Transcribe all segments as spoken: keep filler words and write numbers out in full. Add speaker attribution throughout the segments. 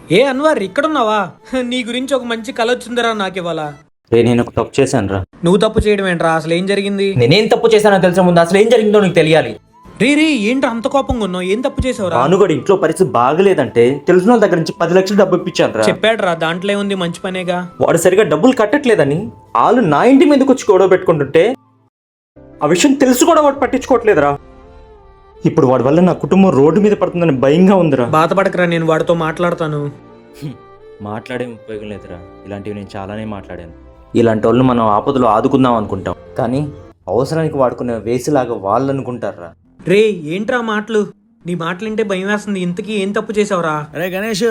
Speaker 1: ఏ అన్వర్ ఇక్కడున్నావా? నీ గురించి ఒక మంచి కల వచ్చిందిరా నాకు ఇవాళ.
Speaker 2: రే నేను ఒక తప్పు చేశాను రా.
Speaker 1: నువ్వు తప్పు చేయడం ఏంట్రా? అసలు ఏం జరిగింది?
Speaker 2: నేనేం తప్పు చేశానో తెలిసే ముందు అసలు ఏం జరిగిందో నీకు తెలియాలి.
Speaker 1: రీ రీ ఏంట్రా అంత కోపంగా ఉన్నావు? ఏం తప్పు చేసావురా?
Speaker 2: భానుగడు ఇంట్లో పరిస్థితి బాగలేదంటే తెలిసిన వాళ్ళ దగ్గర నుంచి పది లక్షలు డబ్బు ఇప్పించాను రా.
Speaker 1: చెప్పాడురా, దాంట్లో ఏముంది, మంచి పనేగా.
Speaker 2: వాడు సరిగా డబ్బులు కట్టట్లేదని వాళ్ళు నా ఇంటి మీదకి వచ్చి గొడవ పెట్టుకుంటుంటే ఆ విషయం తెలుసు కూడా వాడు పట్టించుకోవట్లేదురా. ఇప్పుడు వాడి వల్ల నా కుటుంబం రోడ్డు మీద పడుతుందని భయంగా ఉందిరా.
Speaker 1: బాధపడకరా, నేను వాడితో మాట్లాడతాను.
Speaker 2: మాట్లాడే ఉపయోగం లేదురా. ఇలాంటివి నేను చాలానే మాట్లాడాను. ఇలాంటి వాళ్ళు మనం ఆపదలో ఆదుకుందాం అనుకుంటాం, కానీ అవసరానికి వాడుకునే వేసిలాగా వాళ్ళు అనుకుంటారా.
Speaker 1: రే ఏంట్రా మాటలు? నీ మాటలు వింటే భయం వేస్తుంది. ఇంతకీ ఏం తప్పు చేసావురా?
Speaker 3: అరే గణేష్,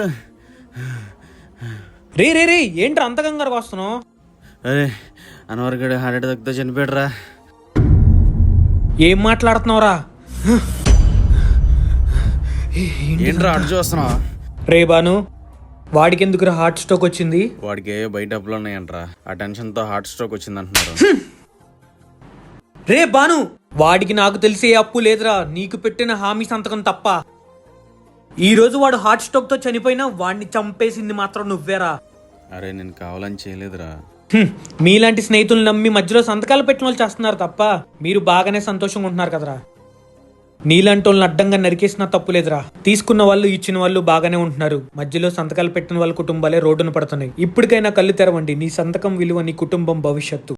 Speaker 1: రే రే రే ఏంట్రా అంత కంగారుగా వస్తున్నావు?
Speaker 3: అరే అన్వర్ గడు హార్ట్ అటాక్తో చనిపోయాడురా.
Speaker 1: ఏం మాట్లాడుతున్నావురా?
Speaker 3: ఏంట్రా అటు చూస్తున్నావు?
Speaker 1: రే బాను, వాడికి ఎందుకురా హార్ట్ స్ట్రోక్ వచ్చింది?
Speaker 3: వాడికి ఏ బయట అప్పులు ఉన్నాయంట్రా. ఆ టెన్షన్ తో హార్ట్ స్ట్రోక్ వచ్చింది అంటున్నారు.
Speaker 1: రే బాను, వాడికి నాకు తెలిసి ఏ అప్పు లేదురా, నీకు పెట్టిన హామీ సంతకం తప్ప. ఈ రోజు వాడు హార్ట్ స్ట్రోక్ తో చనిపోయినా వాడిని చంపేసింది మాత్రం నువ్వేరా.
Speaker 3: అరే నేను కావాలని చేయలేదురా.
Speaker 1: హ్మ్, మీలాంటి స్నేహితులు నమ్మి మధ్యలో సంతకాలు పెట్టిన వాళ్ళు చేస్తున్నారు తప్ప మీరు బాగానే సంతోషంగా ఉంటున్నారు కదరా. నీలాంటి వాళ్ళని అడ్డంగా నరికేసినా తప్పులేదురా. తీసుకున్న వాళ్ళు ఇచ్చిన వాళ్ళు బాగానే ఉంటున్నారు, మధ్యలో సంతకాలు పెట్టిన వాళ్ళ కుటుంబాలే రోడ్డున పడుతున్నాయి. ఇప్పటికైనా కళ్ళు తెరవండి. నీ సంతకం విలువ నీ కుటుంబం భవిష్యత్తు.